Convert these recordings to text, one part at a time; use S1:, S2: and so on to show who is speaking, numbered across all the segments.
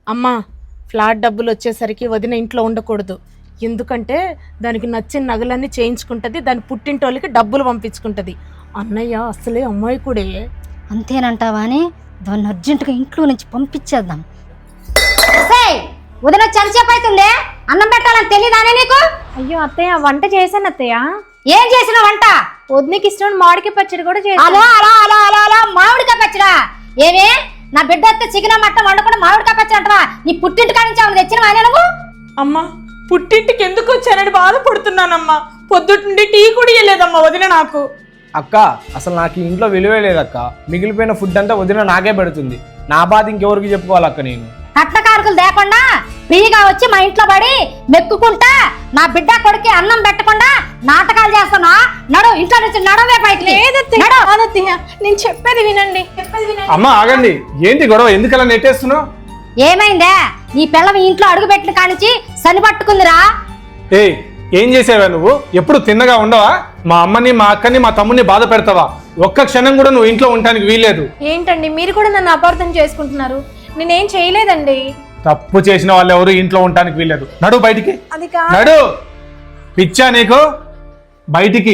S1: అమ్మా ఫ్లాట్ డబ్బులు వచ్చేసరికి వదిన ఇంట్లో ఉండకూడదు. ఎందుకంటే దానికి నచ్చిన నగలన్నీ చేయించుకుంటుంది, దాని పుట్టింటోళ్ళకి డబ్బులు పంపించుకుంటుంది. అన్నయ్య అసలే అమ్మాయికుడే.
S2: అంతేనంటావా అని దాన్ని అర్జెంటుగా ఇంట్లో నుంచి పంపించేద్దాం. వదిన చలిచేపు అవుతుంది, అన్నం పెట్టాలని తెలియదానే నీకు?
S3: అయ్యో అత్తయ్య, వంట చేశాను అత్తయ్య.
S2: ఏం చేసిన వంట?
S3: వదినకి ఇష్టం మామిడికాయ పచ్చడి కూడా చేశాను.
S2: అలో అలా అలా అలా అలా మామిడికాయ పచ్చడా? ఏమే నా బిడ్డ వస్తే చికెన్ మట్టం వండుకుండా మామిడికాయ పచ్చడి అంటవా? నీ పుట్టింటి కాడి నుంచి ఆమె తెచ్చిన ఆయన నువ్వు?
S1: అమ్మా పుట్టింటికి ఎందుకు వచ్చానని బాధపడుతున్నానమ్మా. పొద్దుండి టీ కూడా ఇవ్వలేదమ్మా వదిన నాకు.
S4: అక్క అసలు నాకు ఈ ఇంట్లో విలువే లేదక్క. మిగిలిపోయిన ఫుడ్ అంతా వదిన నాకే పెడుతుంది. నా బాధ ఇంకెవరికి చెప్పుకోవాలక్క? నేను
S2: కట్న కారకులు లేకుండా ఫ్రీగా వచ్చి మా ఇంట్లో పడి మెక్కుకుంటా నా బిడ్డ కొడుకు అన్నం పెట్టకుండా నాటకాలు చేస్తున్నా. నడు ఇంట్లో నుంచి నడవే పైకి.
S3: నేను చెప్పేది వినండి.
S5: అమ్మ ఆగండి, ఏంటి గొడవ? ఎందుకలా నెట్టేస్తున్నావు?
S2: ఏమైందే? నీ పిల్లవ ఇంట్లో అడుగు పెట్టిన కానించి సని పట్టుకుందిరా.
S5: ఏం చేసావా నువ్వు? ఎప్పుడు తిన్నగా ఉండవా? మా అమ్మని మా అక్కని మా తమ్ముని బాధ పెడతావా? ఒక్క క్షణం కూడా నువ్వు ఇంట్లో ఉండడానికి వీల్లేదు.
S3: ఏంటండి మీరు కూడా నన్ను అపార్థం చేసుకుంటున్నారు? నేనేం చేయలేదండి.
S5: తప్పు చేసిన వాళ్ళు ఎవరు ఇంట్లో ఉండడానికి వీల్లేదు. నడు బయటికి.
S3: అది కాదు.
S5: నడు. పిచ్చా నీకు? బయటికి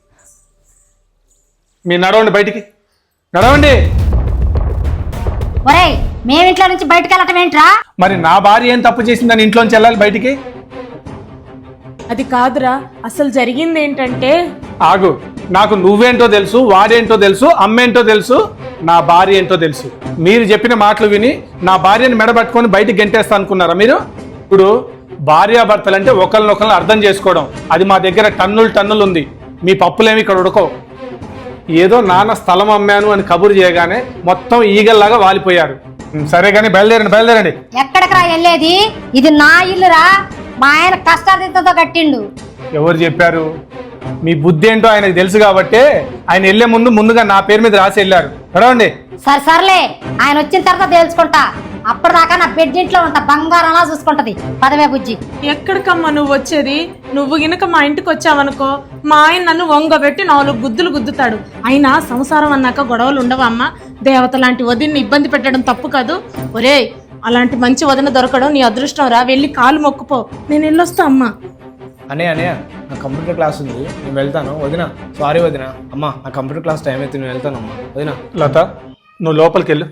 S5: మీరు నడవండి, బయటికి నడవండి.
S2: ఒరేయ్, మేమింట్లో నుంచి బయటకు వెళ్ళటం ఏంట్రా?
S5: మరి నా భార్య ఏం తప్పు చేసిందని ఇంట్లోంచి వెళ్ళాలి బయటికి?
S1: అది కాదురా, అసలు జరిగింది ఏంటంటే.
S5: ఆగు, నాకు నువ్వేంటో తెలుసు, వాడేంటో తెలుసు, అమ్మేంటో తెలుసు, నా భార్య ఏంటో తెలుసు. మీరు చెప్పిన మాటలు విని నా భార్యని మెడబట్టుకొని బయటికి గెంటేస్తా అనుకున్నారా మీరు? ఇప్పుడు భార్యాభర్తలంటే ఒకరినొకరిని అర్థం చేసుకోవడం, అది మా దగ్గర టన్నులు ఉంది. మీ పప్పులేమి ఇక్కడ ఉడకో. ఏదో నాన్న స్థలం అమ్మాను అని కబురు చేయగానే మొత్తం ఈగల్లాగా వాలిపోయారు. సరే కానీ బయలుదేరండి.
S2: ఎక్కడికి రా వెళ్ళేది? ఇది నా ఇల్లురా. మా ఆయన కష్టార్జితంతో కట్టిండు.
S5: ఎవరు చెప్పారు? మీ బుద్ధి ఏంటో ఆయనకు తెలుసు కాబట్టి ఆయన వెళ్లే ముందుగా నా పేరు మీద రాసి వెళ్ళారు. నడవండి.
S2: సర్లే, ఆయన వచ్చిన తర్వాత తెలుసుకుంటా. అప్పటిదాకా నా బెడ్ ఇంట్లో ఉంటా, బంగారంలా చూసుకుంటది. పదవే బుజ్జి.
S1: ఎక్కడికమ్మా నువ్వు వచ్చేది? నువ్వు గినక మా ఇంటికి వచ్చావనుకో, మా ఆయన నన్ను వంగబెట్టి 4 గుద్దులు గుద్దుతాడు. అయినా సంసారం అన్నాక గొడవలు ఉండవా అమ్మా? దేవత లాంటి వదిన్ని ఇబ్బంది పెట్టడం తప్పు కాదు. ఒరే, అలాంటి మంచి వదిన దొరకడం నీ అదృష్టం రా. వెళ్ళి కాలు మొక్కుపో. నేను వెళ్ళొస్తా అమ్మా.
S4: అనే నా కంప్యూటర్ క్లాస్ ఉంది, నేను వెళ్తాను. వదిన సారీ వదిన. అమ్మా నా కంప్యూటర్ క్లాస్ టైం అయితే నేను వెళ్తాను. అమ్మా వదిన.
S5: లత, నువ్వు లోపలికి వెళ్ళు.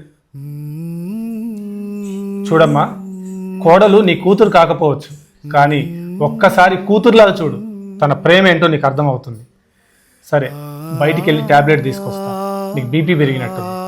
S5: చూడమ్మా, కోడలు నీ కూతురు కాకపోవచ్చు, కానీ ఒక్కసారి కూతురులా చూడు. తన ప్రేమ ఏంటో నీకు అర్థమవుతుంది. సరే, బయటికి వెళ్ళి టాబ్లెట్ తీసుకొస్తా. నీకు బీపీ పెరిగినట్టు.